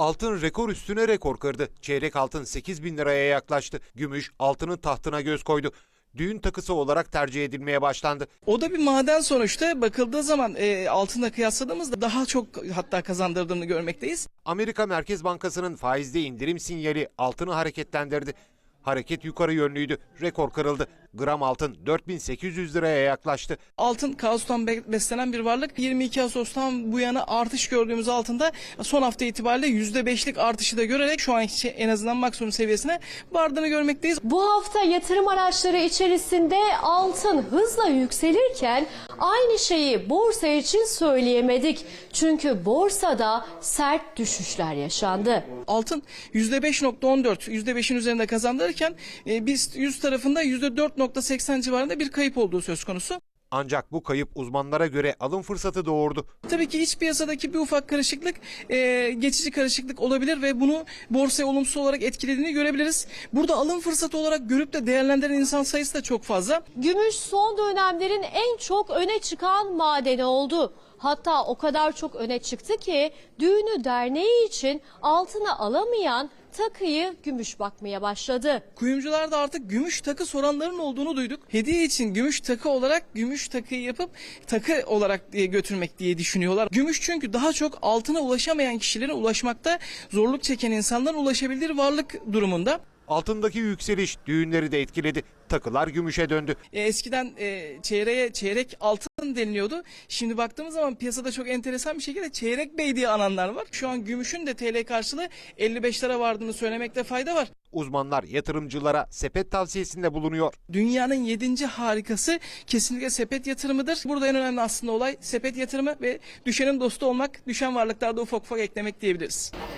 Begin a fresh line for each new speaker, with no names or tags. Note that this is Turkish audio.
Altın rekor üstüne rekor kırdı. Çeyrek altın 8.000 liraya yaklaştı. Gümüş altının tahtına göz koydu. Düğün takısı olarak tercih edilmeye başlandı.
O da bir maden sonuçta. Bakıldığı zaman altınla kıyasladığımızda daha çok hatta kazandırdığını görmekteyiz.
Amerika Merkez Bankası'nın faizde indirim sinyali altını hareketlendirdi. Hareket yukarı yönlüydü. Rekor kırıldı. Gram altın 4.800 liraya yaklaştı.
Altın kaostan beslenen bir varlık. 22 Ağustos'tan bu yana artış gördüğümüz altında son hafta itibariyle %5'lik artışı da görerek şu anki en azından maksimum seviyesine vardığını görmekteyiz.
Bu hafta yatırım araçları içerisinde altın hızla yükselirken aynı şeyi borsa için söyleyemedik. Çünkü borsada sert düşüşler yaşandı.
Altın %5.14, %5'in üzerinde kazandırırken biz 100 tarafında %4.80 civarında bir kayıp olduğu söz konusu.
Ancak bu kayıp uzmanlara göre alım fırsatı doğurdu.
Tabii ki iç piyasadaki bir ufak karışıklık geçici karışıklık olabilir ve bunu borsaya olumsuz olarak etkilediğini görebiliriz. Burada alım fırsatı olarak görüp de değerlendiren insan sayısı da çok fazla.
Gümüş son dönemlerin en çok öne çıkan madeni oldu. Hatta o kadar çok öne çıktı ki düğünü derneği için altına alamayan takıyı gümüş bakmaya başladı.
Kuyumcularda artık gümüş takı soranların olduğunu duyduk. Hediye için gümüş takı olarak gümüş takıyı yapıp takı olarak götürmek diye düşünüyorlar. Gümüş çünkü daha çok altına ulaşamayan kişilere ulaşmakta zorluk çeken insanların ulaşabildiği varlık durumunda.
Altındaki yükseliş düğünleri de etkiledi. Takılar gümüşe döndü.
Eskiden çeyreğe çeyrek altın deniliyordu. Şimdi baktığımız zaman piyasada çok enteresan bir şekilde çeyrek bey diye ananlar var. Şu an gümüşün de TL karşılığı 55 lira vardığını söylemekte fayda var.
Uzmanlar yatırımcılara sepet tavsiyesinde bulunuyor.
Dünyanın 7. harikası kesinlikle sepet yatırımıdır. Burada en önemli aslında olay sepet yatırımı ve düşenin dostu olmak, düşen varlıklarda ufak ufak eklemek diyebiliriz.